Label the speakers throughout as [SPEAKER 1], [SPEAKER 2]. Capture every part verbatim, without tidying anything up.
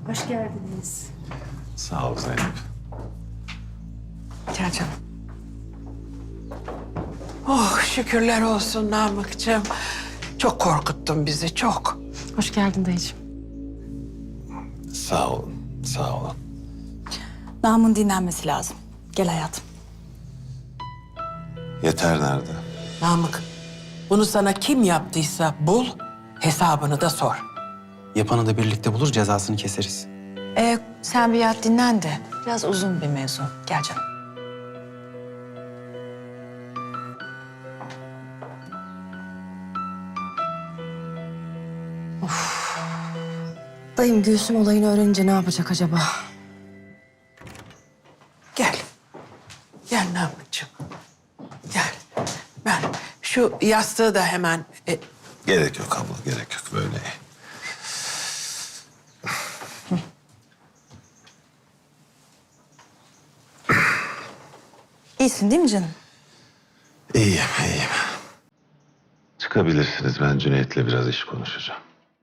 [SPEAKER 1] Hoş geldiniz.
[SPEAKER 2] Sağ ol Zeynep.
[SPEAKER 3] Gel canım. Oh şükürler olsun Namık'cığım. Çok korkuttun bizi çok.
[SPEAKER 1] Hoş geldin dayıcığım.
[SPEAKER 2] Sağ olun, sağ olun.
[SPEAKER 4] Namın dinlenmesi lazım. Gel hayatım.
[SPEAKER 2] Yeter nerede?
[SPEAKER 3] Namık, bunu sana kim yaptıysa bul, hesabını da sor.
[SPEAKER 5] Yapanı da birlikte bulur, cezasını keseriz.
[SPEAKER 4] Ee, sen bir yat dinlen de. Biraz uzun bir mevzu. Gel canım.
[SPEAKER 1] Dayım Gülsüm olayını öğrenince ne yapacak acaba?
[SPEAKER 3] Gel. Gel Namık'cığım. Gel. Ben şu yastığı da hemen... e,
[SPEAKER 2] Gerek yok abla, gerek yok böyle.
[SPEAKER 4] İyisin değil mi canım?
[SPEAKER 2] İyiyim, iyiyim. Çıkabilirsiniz, ben Cüneyt'le biraz iş konuşacağım.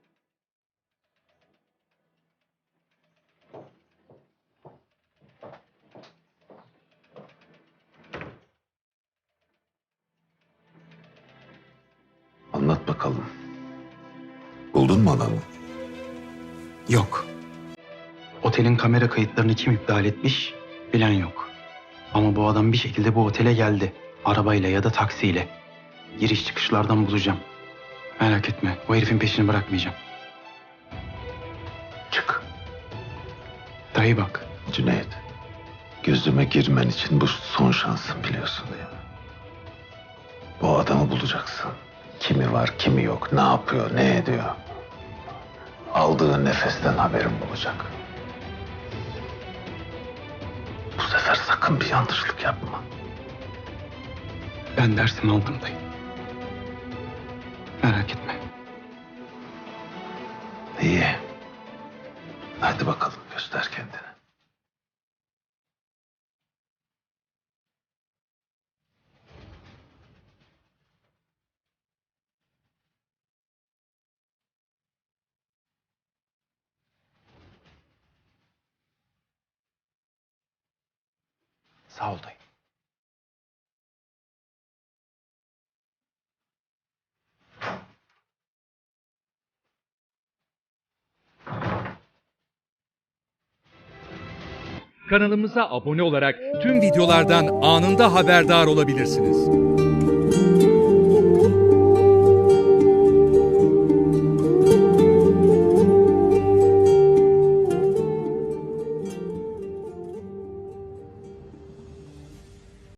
[SPEAKER 2] Anlat bakalım. Buldun mu adamı?
[SPEAKER 5] Yok. Otelin kamera kayıtlarını kim iptal etmiş bilen yok. Ama bu adam bir şekilde bu otele geldi. Arabayla ya da taksiyle. Giriş çıkışlardan bulacağım. Merak etme, o herifin peşini bırakmayacağım.
[SPEAKER 2] Çık.
[SPEAKER 5] Dayı bak,
[SPEAKER 2] Cüneyt, gözüme girmen için bu son şansın, biliyorsun değil mi? Bu adamı bulacaksın. Kimi var, kimi yok, ne yapıyor, ne ediyor. Aldığı nefesten haberim olacak. Bu sefer sakın bir yanlışlık yapma.
[SPEAKER 5] ben dersimi aldım dayı. Merak etme.
[SPEAKER 2] İyi. Hadi bakalım, göster kendini.
[SPEAKER 5] Sağ ol dayı.
[SPEAKER 6] Kanalımıza abone olarak tüm videolardan anında haberdar olabilirsiniz.